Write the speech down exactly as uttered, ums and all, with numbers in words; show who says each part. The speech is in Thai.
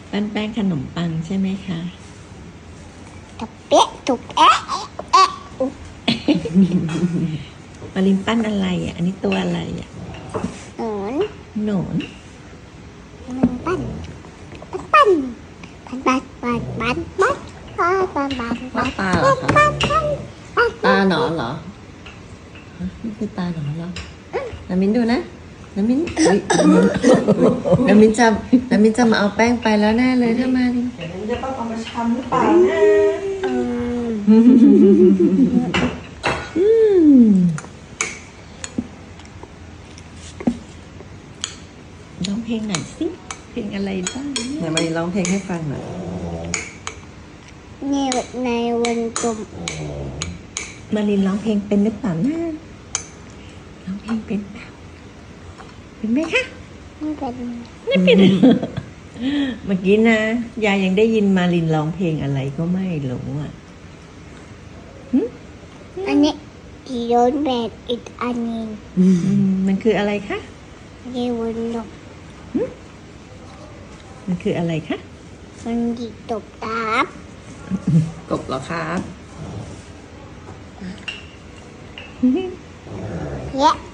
Speaker 1: ปั้นแป้งขนมปังใช่ไหมคะ
Speaker 2: ตบเป๊ะถูกแอะแอะอุ๊ย
Speaker 1: มารินปั้นอะไรอ่ะ อันนี้ตัวอะไรอ่ะ
Speaker 2: หนอน
Speaker 1: หนอน
Speaker 2: มันปั้นปั้นปั้นปั้นปั้นปั้นปั้นปั้นปั้นปั้นปั้น
Speaker 3: ว่าตาเหรอคะ
Speaker 2: ปั้นปั้นปั้น
Speaker 3: ตาหนอนเหรอฮะนี่คือตาหนอนเหรอน้ำมินดูนะน้ำมินอุ๊ยน้ำมินจะน้ำมินจะมาเอาแป้งไปแล้วแน่เลยถ้ามาดิ
Speaker 4: เดี๋ยวนี้จะต้องเอามาชำหรือเปล่านะ
Speaker 2: อืม
Speaker 1: อืมร้องเพลงหน่อยสิเพลงอะไรบ้างเนี่ย
Speaker 3: ไหนมาดิร้องเพลงให้ฟังหน่อย
Speaker 2: ในในวันกลม
Speaker 1: มารินร้องเพลงเป็นหรือเปล่านะร้องเพลงเป็นเปล่าเป็นไหมคะ
Speaker 2: ไม่เป็น
Speaker 1: ไม่เป็น เมื่อกี้นะยายยังได้ยินมารินร้องเพลงอะไรก็ไม่รู้อ่ะ
Speaker 2: อันนี้ที่โดนแบบอีกอันหนึง
Speaker 1: อืมมันคืออะไรคะ
Speaker 2: ในวันลม
Speaker 1: มันคืออะไรคะ
Speaker 2: มันดีตบตาบ
Speaker 3: กบเหรอครับ
Speaker 2: แยะ